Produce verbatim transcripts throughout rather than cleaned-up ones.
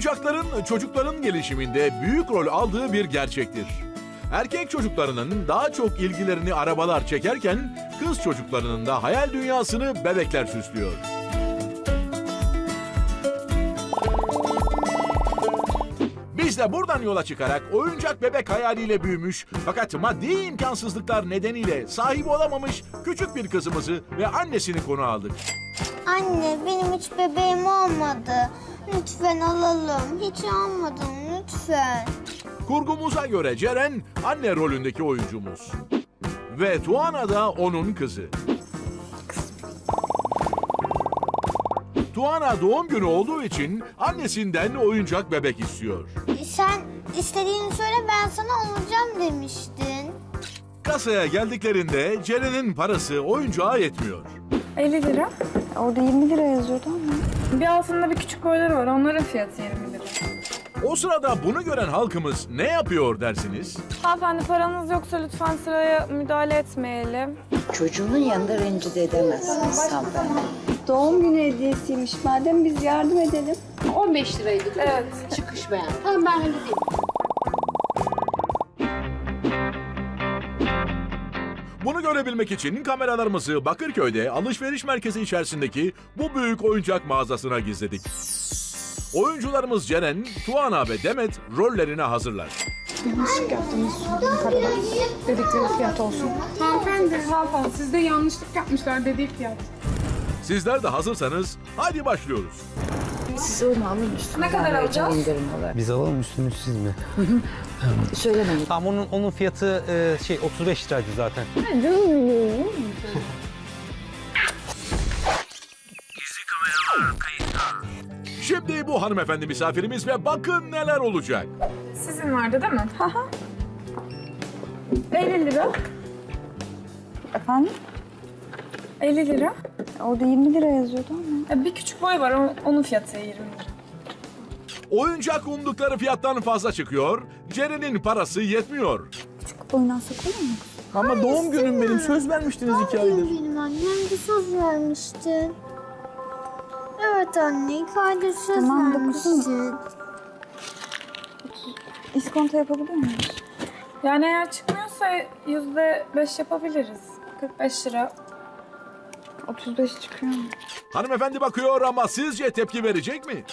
Oyuncakların çocukların gelişiminde büyük rol aldığı bir gerçektir. Erkek çocuklarının daha çok ilgilerini arabalar çekerken, kız çocuklarının da hayal dünyasını bebekler süslüyor. Biz de buradan yola çıkarak oyuncak bebek hayaliyle büyümüş fakat maddi imkansızlıklar nedeniyle sahibi olamamış küçük bir kızımızı ve annesini konu aldık. Anne, benim hiç bebeğim olmadı. Lütfen alalım. Hiç almadım, lütfen. Kurgumuza göre Ceren anne rolündeki oyuncumuz. Ve Tuana da onun kızı. Tuana doğum günü olduğu için annesinden oyuncak bebek istiyor. Sen istediğini söyle, ben sana alacağım demiştin. Kasaya geldiklerinde Ceren'in parası oyuncağa yetmiyor. elli lira. Orada yirmi lira yazıyordu ama. Bir altında bir küçük boyları var. Onların fiyatı yirmi lira. O sırada bunu gören halkımız ne yapıyor dersiniz? Hanımefendi, paranız yoksa lütfen sıraya müdahale etmeyelim. Çocuğunun yanında rencide edemezsiniz hanımefendi. Doğum günü hediyesiymiş. Madem biz yardım edelim. on beş liraydı değil mi? Evet. Çıkış beğen. Tamam, ben halledeyim. Bunu görebilmek için kameralarımızı Bakırköy'de alışveriş merkezi içerisindeki bu büyük oyuncak mağazasına gizledik. Oyuncularımız Ceren, Tuana ve Demet rollerine hazırlar. Yanlışlık yaptınız. Dedikleri fiyat olsun. Hanımefendi, hanımefendi. Sizde yanlışlık yapmışlar dediği fiyat. Sizler de hazırsanız hadi başlıyoruz. Siz onu alın üstüne. Ne kadar alacağız? İndirim olarak. Biz alalım üstünü siz mi? Söylemeyin. Tamam onun onun fiyatı e, şey otuz beş liraydı zaten. Şimdi bu hanımefendi misafirimiz ve bakın neler olacak. Sizin vardı değil mi? elli lira. Efendim? elli lira. Orada yirmi lira yazıyordu ama. Ya bir küçük boy var. o- Onun fiyatı yirmi lira. Oyuncak umdukları fiyattan fazla çıkıyor, Ceren'in parası yetmiyor. Küçük boyunu alsak olur mu? Ama doğum günüm benim. Söz vermiştiniz iki aydır. Benim annem de söz vermişti. Evet anne, ilk ayda söz Tamam da vermiştin. kızım. İskonto yapabiliyor muyuz? Yani eğer çıkmıyorsa yüzde beş yapabiliriz. kırk beş lira. otuz beş çıkıyor mu? Hanımefendi bakıyor ama sizce tepki verecek mi?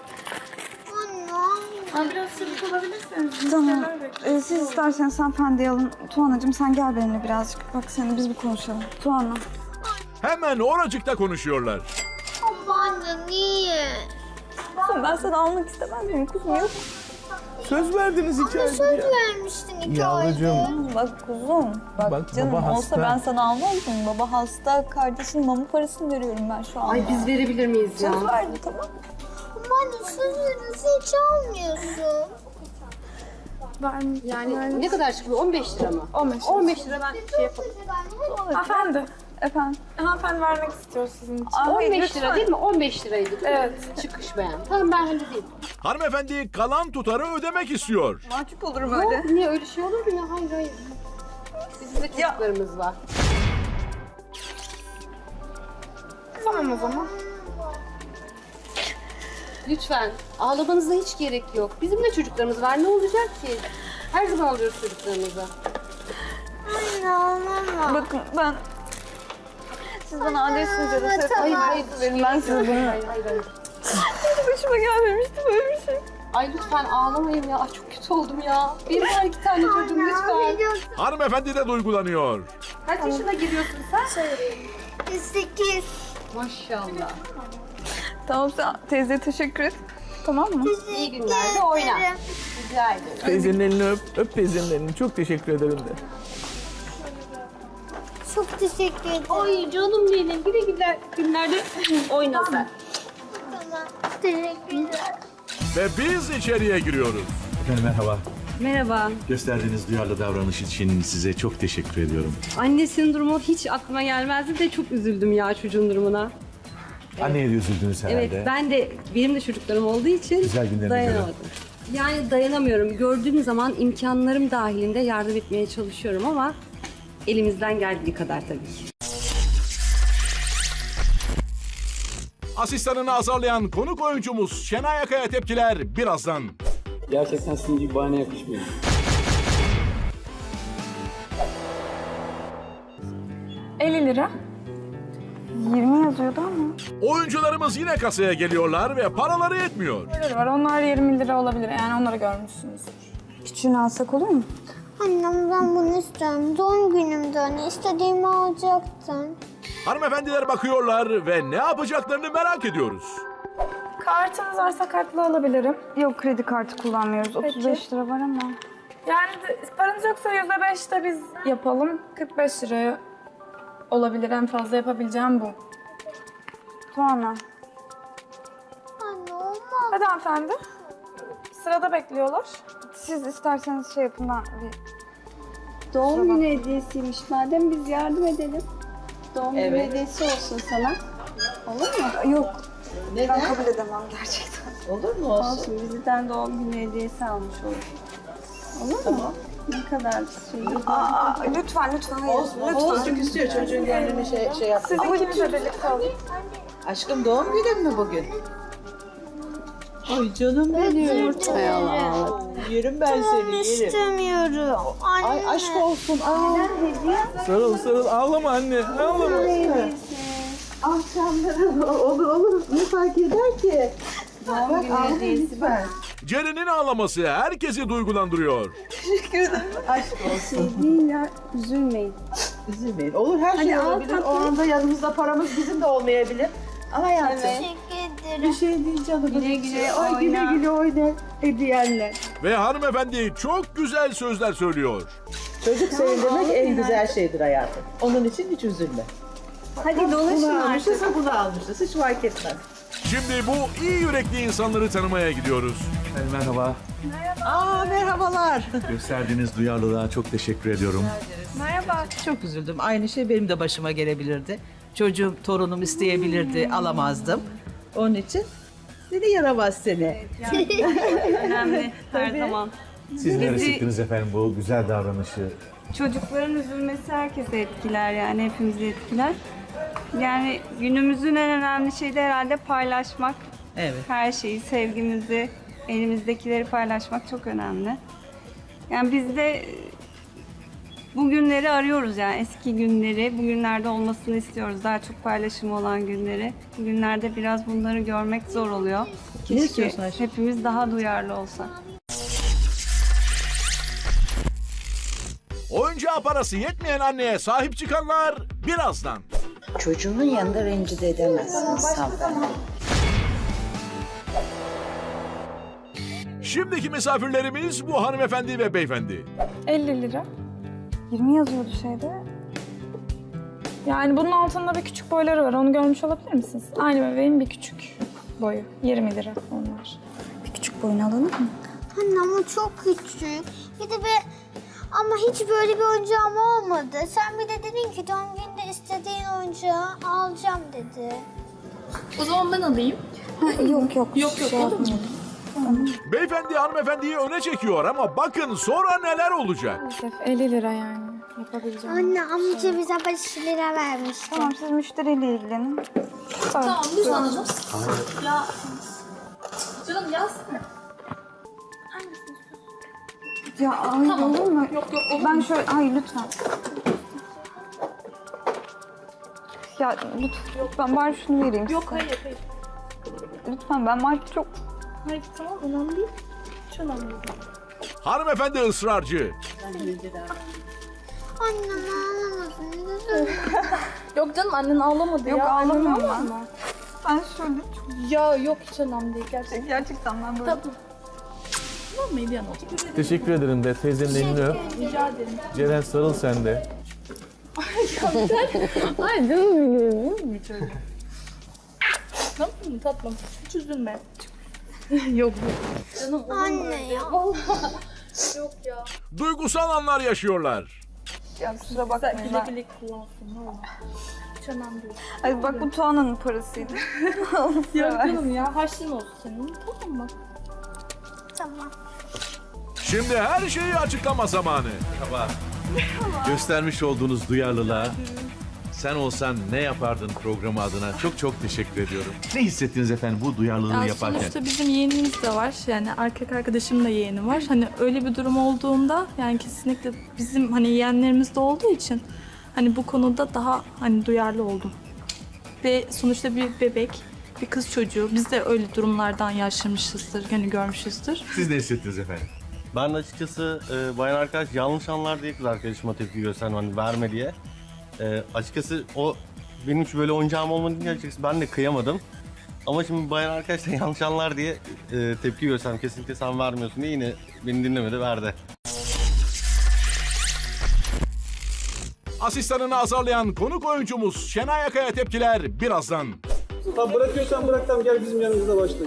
Ama biraz çabuk olabilirseniz. Tamam. müşteriler bekliyor. Ee, siz isterseniz hanımefendiyi alın. Tuğan'cığım sen gel benimle birazcık. Bak seninle biz bir konuşalım. Tuğan'la. Hemen oracıkta konuşuyorlar. Ama anne niye? Kuzum ben seni almak istemez miyim? Kuzum yok. Söz verdiniz iki aydır Söz ya. vermiştin iki ayda. Yavrucuğum. Bak kuzum. Bak, Bak, canım baba olsa hasta. ben sana almaz mıyım? Baba hasta. Kardeşin mama parasını veriyorum ben şu an. Ay biz verebilir miyiz ya? Söz verdi tamam. Ama anne sözünüzü hiç almıyorsun. Ben, Yani ne kadar çıkıyor? on beş lira mı? on beş. on beş lira ben şey yaparım. Hanımefendi. Efendim. Hanımefendi vermek istiyor sizin için. Aa, on hayır, beş lütfen. lira değil mi? on beş liraydı değil mi? Evet. Çıkış beğen. Tamam, ben halledeyim. Hanımefendi kalan tutarı ödemek istiyor. Mahcup olurum öyle. Yok, niye öyle şey olur mu ya? Hayır hayır. Bizim de çocuklarımız var. Tamam o zaman. Lütfen. Ağlamanıza hiç gerek yok. Bizim de çocuklarımız var. Ne olacak ki? Her zaman alıyoruz çocuklarımızı. Anne ağlama. Bakın ben... Siz bana adresinizi de Evet, hayır, tamam. hayır, verin ben size bunu. Hayır hayır hayır. Başıma gelmemişti böyle bir şey. Ay lütfen ağlamayın ya. Ay, çok kötü oldum ya. Benim var iki tane çocuğum lütfen. Hanımefendi de duygulanıyor. Kaç yaşına giriyorsun sen? Sekiz. Maşallah. Tamam sen teyzeye teşekkür et. Tamam mı? İyi günlerde oyna. Rica ederim. Teyzenin elini öp. Öp teyzenin elini. Çok teşekkür ederim de. Çok teşekkür ederim. Ay canım benim. Bir de güzel günlerde oyna sen. Tamam. Teşekkürler. Ve biz içeriye giriyoruz. Efendim merhaba. Merhaba. Gösterdiğiniz duyarlı davranış için size çok teşekkür ediyorum. Annesinin durumu hiç aklıma gelmezdi de çok üzüldüm ya çocuğun durumuna. Anneye de üzüldünüz herhalde. Evet, ben de benim de çocuklarım olduğu için Güzel günlerine dayanamadım. Yani dayanamıyorum. Gördüğüm zaman imkanlarım dahilinde yardım etmeye çalışıyorum ama elimizden geldiği kadar tabii ki. Asistanını azarlayan konuk oyuncumuz Şenay Akay'a tepkiler birazdan. Gerçekten sizin gibi bahane yakışmıyor. elli lira. yirmi yazıyordu ama. Oyuncularımız yine kasaya geliyorlar ve paraları yetmiyor. Böyle var. Onlar yirmi lira olabilir. Yani onları görmüşsünüzdür. Küçüğünü alsak olur mu? Annem ben bunu istiyorum. Doğum günümde hani istediğimi alacaktın. Hanımefendiler bakıyorlar ve ne yapacaklarını merak ediyoruz. Kartınız varsa kartla alabilirim. Yok, kredi kartı kullanmıyoruz. otuz beş lira var ama. Yani de- paranız yoksa yüzde beş de biz yapalım. kırk beş liraya olabilir. En fazla yapabileceğim bu. Tuana. Anne olmaz. Hadi hanımefendi. Sırada bekliyorlar. Siz isterseniz şey yapın, ben bir... Doğum günü hediyesiymiş. Madem biz yardım edelim. Doğum günü Evet. hediyesi olsun sana. Olur mu? Yok, Neden? ben kabul edemem gerçekten. Olur mu olsun? Olsun. Bizden doğum günü hediyesi almış olur. Olur mu? Ne kadar şey. Aa, lütfen, lütfen, hayır. Lütfen. Olsun istiyor çocuğun gönlünü şey, şey yapsın. Siz ikiniz de birlikte alın. Aşkım doğum günün mü bugün? Ay canım benim. Özür dilerim. Yerim ben seni yerim. İstemiyorum. Anne. Ay aşk olsun. Aa. Sarıl sarıl ağlama anne ağlama. Akşamları olur olur. Ne fark eder ki? Doğum günü hediyesi ben. Ceren'in ağlaması herkesi duygulandırıyor. Aşk olsun. Şey değil ya. Üzülmeyin. Üzülmeyin. Olur her şey Hadi al olabilir. O tatlıyı. anda yanımızda paramız bizim de olmayabilir. Ama hayatım. Teşekkür Bir ederim. şey değil canım. Güle güle Ay güle oyna. güle oyna. Hediyenle. Ve hanımefendi çok güzel sözler söylüyor. Çocuk sevindirmek en güzel şeydir hayatım. Onun için hiç üzülme. Hadi dolaşın Bunu artık. almışsa bunu almışız. Hiç fark etmez. Şimdi bu iyi yürekli insanları tanımaya gidiyoruz. Merhaba. Aa merhabalar. Gösterdiğiniz duyarlılığa çok teşekkür ediyorum. Çok üzüldüm. Aynı şey benim de başıma gelebilirdi. Çocuğum, torunum isteyebilirdi, alamazdım. Onun için seni yaramaz seni. Önemli her zaman. Siz neler hissettiniz efendim bu güzel davranışı? Çocukların üzülmesi herkese etkiler yani hepimizi etkiler. Yani günümüzün en önemli şeyi de herhalde paylaşmak. Evet. Her şeyi, sevgimizi, elimizdekileri paylaşmak çok önemli. Yani biz de bu günleri arıyoruz yani eski günleri, bugünlerde olmasını istiyoruz. Daha çok paylaşım olan günleri. Bugünlerde biraz bunları görmek zor oluyor. Keşke istiyorsun Ayşe? hepimiz daha duyarlı olsak. Oyuncağa parası yetmeyen anneye sahip çıkanlar birazdan. Çocuğunun yanında rencide edemezsiniz hanımefendi. Şimdiki misafirlerimiz bu hanımefendi ve beyefendi. elli lira. yirmi yazıyordu şeyde. Yani bunun altında bir küçük boyları var. Onu görmüş olabilir misiniz? Aynı bebeğin bir küçük boyu. yirmi lira onlar. Bir küçük boyunu alalım mı? Anne ama çok küçük. Bir de bir... Ama hiç böyle bir oyuncağım olmadı. Sen bir de dedin ki doğum gününde istediğin oyuncağı alacağım dedi. O zaman ben alayım. Ha, yok yok. Yok yok. Şey yapmayalım. Beyefendi hanımefendiyi öne çekiyor ama bakın sonra neler olacak. Maalesef elli lira yani. Yapabileceğim. Anne amca bize beş lira vermişti. Tamam, siz müşteriyle ilgilenin. Tamam, biz alalım. Ya ay olur mu? Yok yok olur Ben şöyle, ay lütfen. Ya lütfen, lütfen bari şunu vereyim Yok size. hayır hayır. Lütfen ben market çok... Hayır tamam önemli değil. Hiç önemli değil. Hanımefendi ısrarcı. Annem ağlamasın. Üzülme. Yok canım annen ağlamadı Yok ya. Annen ağlamıyorum ağlamadı. ben. Ben şöyle çok... Ya yok hiç önemli değil gerçekten. Gerçekten ben böyle... Tamam mıydı yan oldu? Teşekkür ederim de teyzenin elini öp. Rica ederim. Ceren sarıl sen de. Ay canım benim. Bir çocuk. Tamam mı tatlım? Hiç üzülme. Yok canım olur mu Anne öyle? ya. Yok ya. Duygusal anlar yaşıyorlar. Ya kusura bakmayın Güle ben... güle kullansın ne olur. Hiç önemli değil. Ay bak bu Tuana'nın parasıydı. Yok canım ya harçlığın olsun senin. Tamam mı? Tamam. Şimdi her şeyi açıklama zamanı. Merhaba. Göstermiş olduğunuz duyarlılığa sen olsan ne yapardın programı adına? Çok çok teşekkür ediyorum. Ne hissettiniz efendim bu duyarlılığı Ya yaparken? sonuçta bizim yeğenimiz de var. Yani erkek arkadaşım da yeğeni var. Hani öyle bir durum olduğunda yani kesinlikle bizim hani yeğenlerimiz de olduğu için hani bu konuda daha hani duyarlı oldum. Ve sonuçta bir bebek, bir kız çocuğu. Biz de öyle durumlardan yaşamışızdır, hani görmüşüzdür. Siz ne hissettiniz efendim? Ben de açıkçası e, bayan arkadaş yanlış anlar diye kız arkadaşıma tepki gösterdim hani verme diye. E, açıkçası o benim hiç böyle oyuncağım olmadı diye açıkçası ben de kıyamadım. Ama şimdi bayan arkadaş da yanlış anlar diye e, tepki gösterdim. Kesinlikle sen vermiyorsun diye yine beni dinlemedi, verdi. Asistanını azarlayan konuk oyuncumuz Şenay Akay'a tepkiler birazdan. Tamam bırakıyorsan bırak tamam gel bizim yanımızda başla.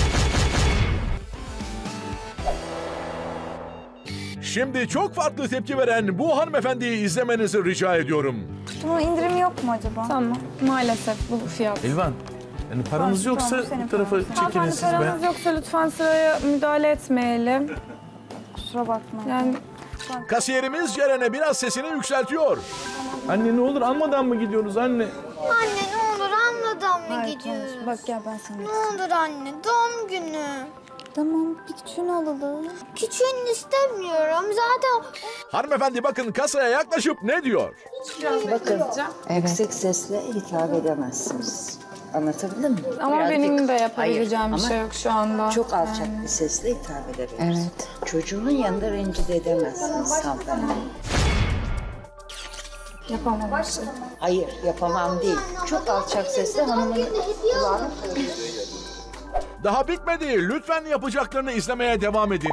Şimdi çok farklı tepki veren bu hanımefendiyi izlemenizi rica ediyorum. Bunun indirimi yok mu acaba? Tamam. Maalesef bu fiyat. Elvan, yani paranız Tamam, yoksa senin bu tarafa paran. çekinin siz be. Paranız yoksa lütfen sıraya müdahale etmeyelim. Kusura bakma. Yani Kasiyerimiz Ceren'e biraz sesini yükseltiyor. Anne ne olur almadan mı gidiyorsunuz anne? Anne ne olur anladan mı gidiyoruz? Bak gel ben sana. Ne olur anne doğum günü. Tamam bir küçüğünü alalım. Küçüğünü istemiyorum. Zaten Hanımefendi bakın kasaya yaklaşıp ne diyor? bakın. Yüksek sesle hitap edemezsiniz. Anlatabildim mi? Ama Birazcık- benim de yapabileceğim Hayır, bir ama şey yok şu anda. Çok alçak bir sesle hitap edebilirsiniz. Evet. Çocuğunun yanında rencide edemezsiniz hanımefendi. Yapamam. Hayır, yapamam değil. Çok alçak sesle hanımın kulağını Daha bitmedi. Lütfen yapacaklarını izlemeye devam edin.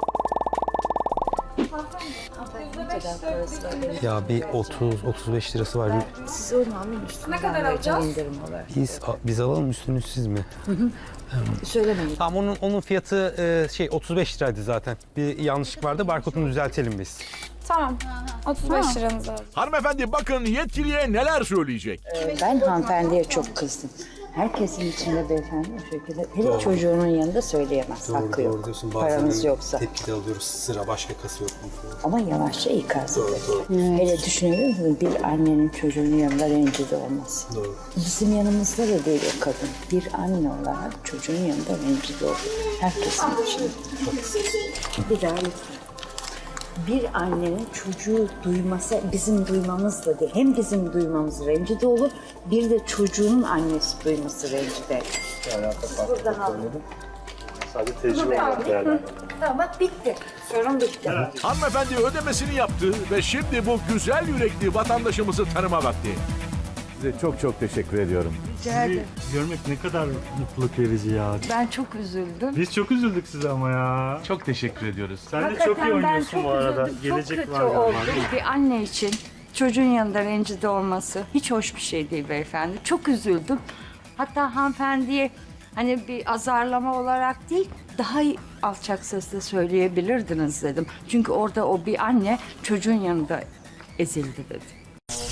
Ya bir otuz otuz beş lirası var. Bir- siz onu alın üstüne. Ne kadar alacağız? İndirim olarak. Biz, biz alalım üstünü siz mi? Söylemeyin. Tamam onun onun fiyatı e, şey otuz beş liraydı zaten. Bir yanlışlık vardı. Barkodunu düzeltelim biz. Tamam. otuz beş liranız aldım. Hanımefendi bakın yetkiliye neler söyleyecek. Ee, Ben hanımefendiye çok kızdım. Herkesin içinde beyefendi o şekilde. Hele çocuğunun yanında söyleyemez. Hakkı yok. Paranız yoksa. Tepki de alıyoruz. Sıra başka kası yok. Ama yavaşça ikaz edin. Hele düşünebilir misiniz? Bir annenin çocuğunun yanında rencide olmaz. Doğru. Bizim yanımızda da değil o kadın. Bir anne olarak çocuğun yanında rencide olur. Herkesin için. Bir daha lütfen. Bir annenin çocuğu duyması bizim duymamız da değil. Hem bizim duymamız rencide olur, bir de çocuğun annesi duyması rencide. Buradan alın. Sadece tecrübe olarak değerlendirin. Tamam bak bitti. Sorun bitti. Hanımefendi ödemesini yaptı ve şimdi bu güzel yürekli vatandaşımızı tanıma vakti. Size çok çok teşekkür ediyorum. Sizi görmek ne kadar mutluluk verici ya. Ben çok üzüldüm. Biz çok üzüldük size ama ya. Çok teşekkür ediyoruz. Sen de çok iyi oynuyorsun bu arada. Gelecek var galiba. Bir anne için çocuğun yanında rencide olması hiç hoş bir şey değil beyefendi. Çok üzüldüm. Hatta hanımefendiye hani bir azarlama olarak değil, daha alçak sesle söyleyebilirdiniz dedim. Çünkü orada o bir anne çocuğun yanında ezildi dedi.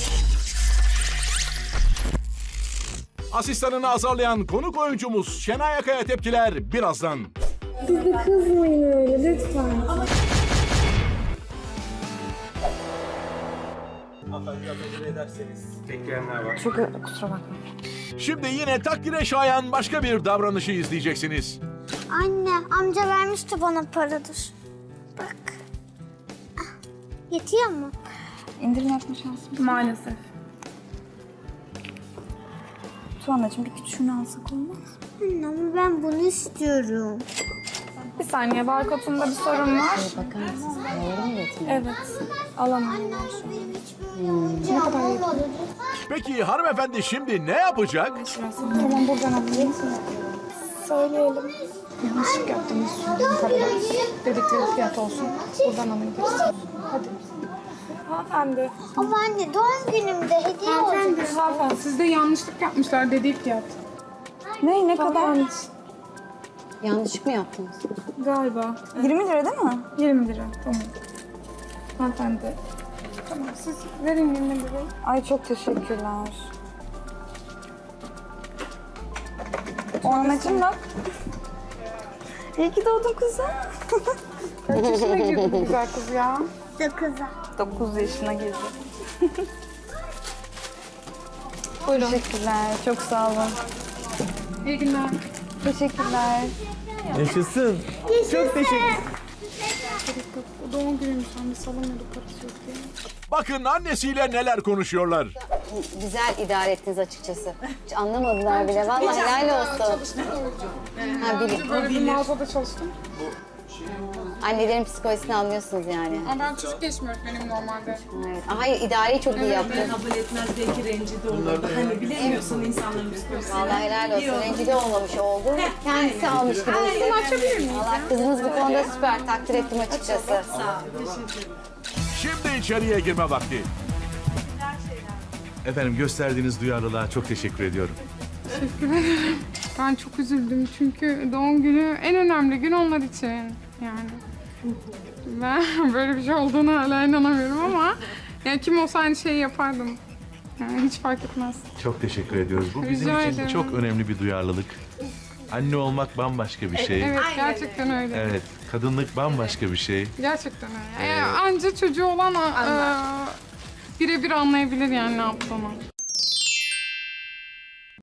Asistanını azarlayan konuk oyuncumuz Şenay Akay'a tepkiler birazdan. Siz de kızmayın öyle lütfen. Çok kusura bakma. Şimdi yine takdire şayan başka bir davranışı izleyeceksiniz. anne amca vermişti bana paradır. Bak. Ah, yetiyor mu? İndirim yapma şansım. Maalesef. Tuanacığım bir küçüğünü alsak olmaz mı? Anne ama ben bunu istiyorum. Bir saniye barkodumda bir sorun var. Bakar mısınız? Doğru mu yetmiyor? Evet. Alamam. Benim hiç böyle oyuncağım olmadı. Peki hanımefendi şimdi ne yapacak? Tamam buradan alayım. Söyleyelim. Yanlışlık yaptığımız sorun paralar. Dedikleri fiyat olsun. Buradan alabiliriz. Hadi. Hanımefendi. Ama anne doğum günümde hediye Hanımefendi. olacak. Hanımefendi sizde yanlışlık yapmışlar dediği fiyat. Ne ne kadar? Yanlış mı yaptınız? Galiba. yirmi lira değil mi? yirmi lira. Tamam. Hanımefendi. Tamam siz verin yirmi lirayı. Ay çok teşekkürler. Tuanacığım bak. İyi ki doğdun kızım. Kaç yaşına girdi bu güzel kız ya? Dokuz'a. dokuz yaşına girdi. Buyurun. Teşekkürler. Çok sağ olun. İyi günler. Teşekkürler. Yaşasın. Çok teşekkür O doğum günüymüş anne salamıyorduk parası yok diye. Bakın annesiyle neler konuşuyorlar. Güzel idare ettiniz açıkçası. Hiç anlamadılar bile. Vallahi helal olsun. Ha, bilim. Böyle bir mağazada çalıştım. Annelerin psikolojisini anlıyorsunuz yani. Ama ben çocuk gelişim öğretmeniyim normalde. Evet. Hayır, idareyi çok iyi yaptın. Kabul etmez belki rencide olurdu. Hani bilemiyorsun insanların psikolojisini. Vallahi helal olsun. Rencide olmamış oldu. Kendisi almış gibi. Bunu açabilir miyim? Valla kızınız bu konuda süper. Takdir ettim açıkçası. Şimdi içeriye girme vakti. Efendim gösterdiğiniz duyarlılığa çok teşekkür ediyorum. Teşekkür ederim. Ben çok üzüldüm çünkü doğum günü en önemli gün onlar için. Yani ben böyle bir şey olduğuna hala inanamıyorum ama yani kim olsa aynı şeyi yapardım. Yani hiç fark etmez. Çok teşekkür ediyoruz. Bu bizim Rica için ederim. çok önemli bir duyarlılık. Anne olmak bambaşka bir şey. Evet gerçekten öyle. Evet, kadınlık bambaşka bir şey. Gerçekten öyle. Yani anca çocuğu olan e, birebir anlayabilir yani ne yaptığını.